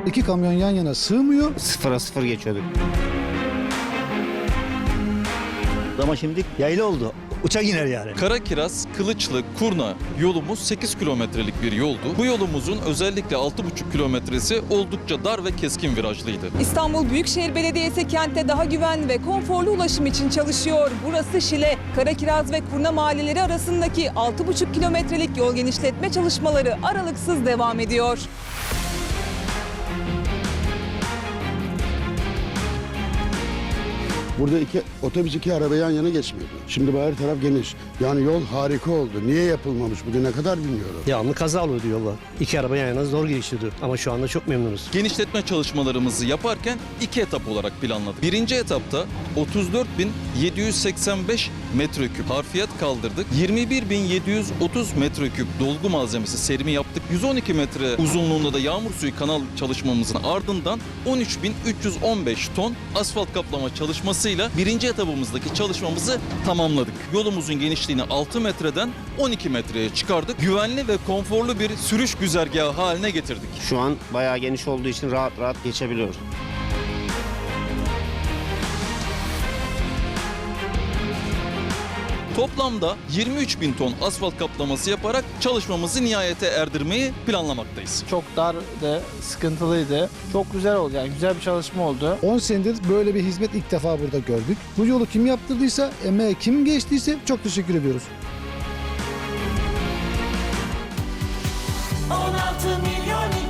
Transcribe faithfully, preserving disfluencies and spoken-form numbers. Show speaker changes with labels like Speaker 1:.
Speaker 1: İki kamyon yan yana sığmıyor.
Speaker 2: Sıfıra sıfır geçiyorduk. Ama şimdi yaylı oldu. Uçak iner yani.
Speaker 3: Karakiraz, Kılıçlı, Kurna yolumuz sekiz kilometrelik bir yoldu. Bu yolumuzun özellikle altı buçuk kilometresi oldukça dar ve keskin virajlıydı.
Speaker 4: İstanbul Büyükşehir Belediyesi kentte daha güvenli ve konforlu ulaşım için çalışıyor. Burası Şile. Karakiraz ve Kurna mahalleleri arasındaki altı buçuk kilometrelik yol genişletme çalışmaları aralıksız devam ediyor.
Speaker 5: Burada iki otobüs iki araba yan yana geçmiyordu. Şimdi bu her taraf geniş. Yani yol harika oldu. Niye yapılmamış bugüne kadar bilmiyorum.
Speaker 6: Devamlı kaza oluyordu yolda. İki araba yan yana zor geçiyordu. Ama şu anda çok memnunuz.
Speaker 3: Genişletme çalışmalarımızı yaparken iki etap olarak planladık. Birinci etapta otuz dört bin yedi yüz seksen beş metreküp harfiyat kaldırdık. yirmi bir bin yedi yüz otuz metreküp dolgu malzemesi serimi yaptık. yüz on iki metre uzunluğunda da yağmur suyu kanal çalışmamızın ardından on üç bin üç yüz on beş ton asfalt kaplama çalışmasıyla birinci etapımızdaki çalışmamızı tamamladık. Yolumuzun genişliğini altı metreden on iki metreye çıkardık. Güvenli ve konforlu bir sürüş güzergahı haline getirdik.
Speaker 2: Şu an bayağı geniş olduğu için rahat rahat geçebiliyoruz.
Speaker 3: Toplamda yirmi üç bin ton asfalt kaplaması yaparak çalışmamızı nihayete erdirmeyi planlamaktayız.
Speaker 7: Çok dar ve sıkıntılıydı. Çok güzel oldu, yani güzel bir çalışma oldu.
Speaker 1: on senedir böyle bir hizmet ilk defa burada gördük. Bu yolu kim yaptırdıysa, emeğe kim geçtiyse çok teşekkür ediyoruz.
Speaker 8: on altı milyon